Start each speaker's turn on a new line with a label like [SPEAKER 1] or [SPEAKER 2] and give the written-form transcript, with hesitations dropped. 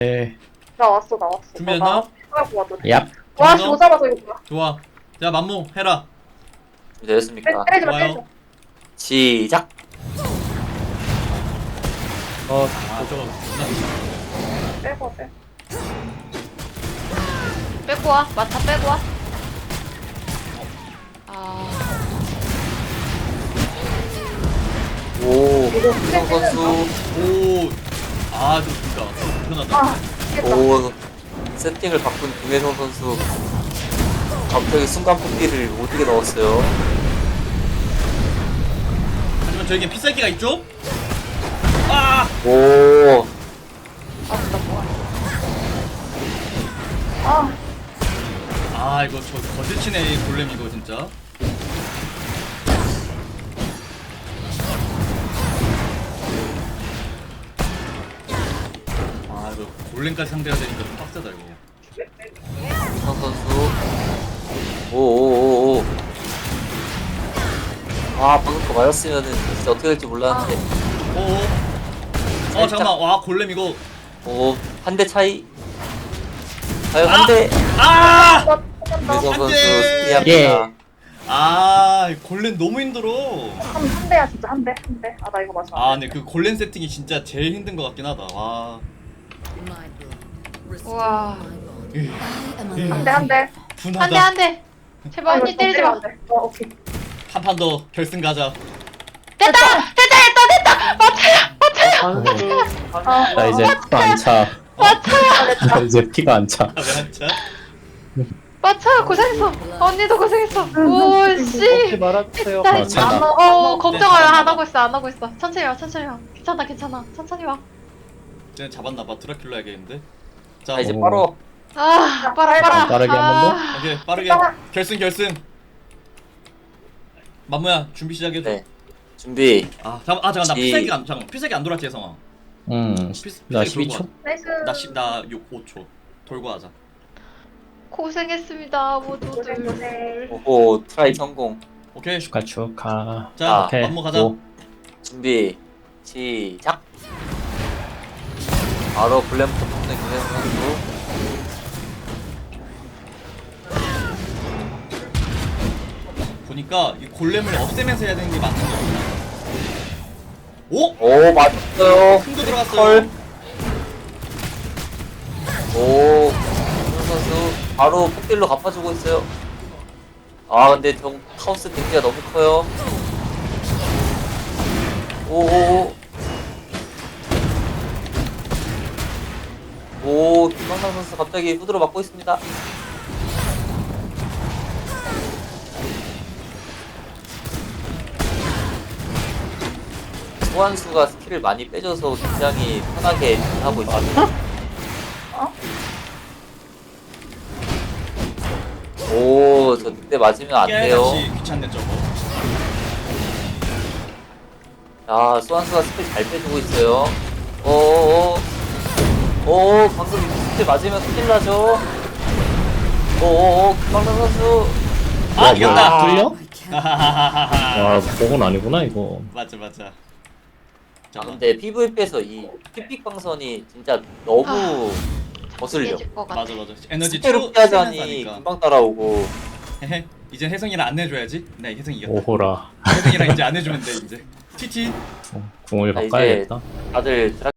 [SPEAKER 1] 네.
[SPEAKER 2] 나왔어.
[SPEAKER 3] 준비됐나?
[SPEAKER 1] 얍.
[SPEAKER 2] 와, 씨, 오자마자 이거 뭐야.
[SPEAKER 3] 좋아. 자, 만모 해라.
[SPEAKER 4] 되셨습니까?
[SPEAKER 2] 때리지 마,
[SPEAKER 3] 좋아요.
[SPEAKER 2] 때리지 마.
[SPEAKER 4] 시작!
[SPEAKER 3] 아, 저거 존나
[SPEAKER 2] 빼고, 빼.
[SPEAKER 5] 빼고 와. 마타 빼고 와. 아,
[SPEAKER 4] 오, 김성 선수.
[SPEAKER 3] 오. 아, 저 진짜 편하다.
[SPEAKER 2] 아, 됐다.
[SPEAKER 4] 오, 세팅을 바꾼 김혜성 선수. 갑자기 순간 뽑기를 못하게 넣었어요.
[SPEAKER 3] 하지만 저에겐 필살기가 있죠? 아!
[SPEAKER 4] 오,
[SPEAKER 2] 아,
[SPEAKER 3] 아, 이거 저 거실치네 골렘 이거 진짜. 아, 이거 골렘까지 상대해야 되니까 좀 빡세다 이거.
[SPEAKER 4] 김성 선수. 오. 아, 방금 거 맞았으면은 진짜 어떻게 될지 몰랐는데.
[SPEAKER 3] 오. 잠깐만. 와, 골렘 이거.
[SPEAKER 4] 오, 한 대 차이. 과연 한 대.
[SPEAKER 3] 아!
[SPEAKER 4] 김혜성
[SPEAKER 3] 안
[SPEAKER 4] 선수
[SPEAKER 3] 돼.
[SPEAKER 4] 승리합니다.
[SPEAKER 3] 아, 골렘 너무 힘들어.
[SPEAKER 2] 한 대야, 진짜 한 대. 아, 나 이거 맞아.
[SPEAKER 3] 아, 근데 그 골렘 세팅이 진짜 제일 힘든 것 같긴 하다. 와.
[SPEAKER 5] 우와.
[SPEAKER 2] 한 대, 한 대.
[SPEAKER 3] 분하다.
[SPEAKER 5] 한 대. 제발 언니 때리지 마.
[SPEAKER 2] 오케이.
[SPEAKER 3] 한 판 더 결승 가자.
[SPEAKER 5] 됐다. 맞아요.
[SPEAKER 1] 나 이제 피가 안 차. 나 이제 피가 안 차.
[SPEAKER 3] 아, 왜 한차?
[SPEAKER 5] 맞아요. 고생했어. 언니도 고생했어. 오, 씨.
[SPEAKER 4] 말아주세요.
[SPEAKER 5] 나
[SPEAKER 1] 찬다.
[SPEAKER 5] 걱정 안 하고 있어. 안 하고 있어. 천천히 와. 괜찮아. 천천히 와.
[SPEAKER 3] 쟤는 잡았나봐. 드라큘라 해야겠는데. 자,
[SPEAKER 4] 자, 이제
[SPEAKER 1] 오.
[SPEAKER 4] 바로
[SPEAKER 5] 아, 빨아.
[SPEAKER 1] 빠르게 한 번
[SPEAKER 3] 오케이 빠르게 결승. 만무야 준비 시작해줘.
[SPEAKER 4] 네. 준비.
[SPEAKER 3] 잠깐 나
[SPEAKER 4] 시-
[SPEAKER 3] 필살기 안 돌았지 혜성아.
[SPEAKER 1] 나 12초?
[SPEAKER 2] 나이스.
[SPEAKER 3] 나 5초 돌고 하자.
[SPEAKER 5] 고생했습니다, 모두들.
[SPEAKER 2] 고생.
[SPEAKER 4] 오호, 트라이 성공.
[SPEAKER 3] 오케이.
[SPEAKER 1] 축하.
[SPEAKER 3] 자
[SPEAKER 1] 오케이.
[SPEAKER 3] 만무 가자.
[SPEAKER 1] 오.
[SPEAKER 4] 준비. 시작. 바로 블랙부터 뽑는 김혜성 선수.
[SPEAKER 3] 보니까 이 골렘을 없애면서 해야 되는 게 맞는 거 같아. 오?
[SPEAKER 4] 오, 맞았어요.
[SPEAKER 3] 큰거 들어갔어요.
[SPEAKER 4] 컬. 오, 김혜성 선수 바로 폭딜로 갚아주고 있어요. 아, 근데 카오스 데미지가 너무 커요. 오, 김광남 선수 갑자기 후드로 맞고 있습니다. 소환수가 스킬을 많이 빼줘서 굉장히 편하게 하고 있습니다. 오, 저 그때 맞으면 안 돼요.
[SPEAKER 3] 깨알같이 귀찮네 저거.
[SPEAKER 4] 자, 소환수가 스킬 잘 빼주고 있어요. 방금 스킬 맞으면 큰일 나죠? 김광남 선수.
[SPEAKER 3] 아 이겼다.
[SPEAKER 1] 뚫려?
[SPEAKER 3] 하하하하.
[SPEAKER 1] 와, 복은 아니구나 이거.
[SPEAKER 3] 맞아.
[SPEAKER 4] 아, 근데 PVP에서 이 픽픽 방선이 진짜 너무 거슬려.
[SPEAKER 5] 깨질 것 같아.
[SPEAKER 3] 맞아. 에너지
[SPEAKER 4] 스킬을
[SPEAKER 3] 채우면서
[SPEAKER 4] 피하자니
[SPEAKER 3] 하니까.
[SPEAKER 4] 금방 따라오고.
[SPEAKER 3] 헤헤. 이제 혜성이랑 안 해줘야지. 네 혜성이 이겼다.
[SPEAKER 1] 오호라.
[SPEAKER 3] 혜성이랑 이제 안 해주면 돼 이제. TT.
[SPEAKER 1] 궁을
[SPEAKER 4] 자, 이제
[SPEAKER 1] 바꿔야겠다.
[SPEAKER 4] 다들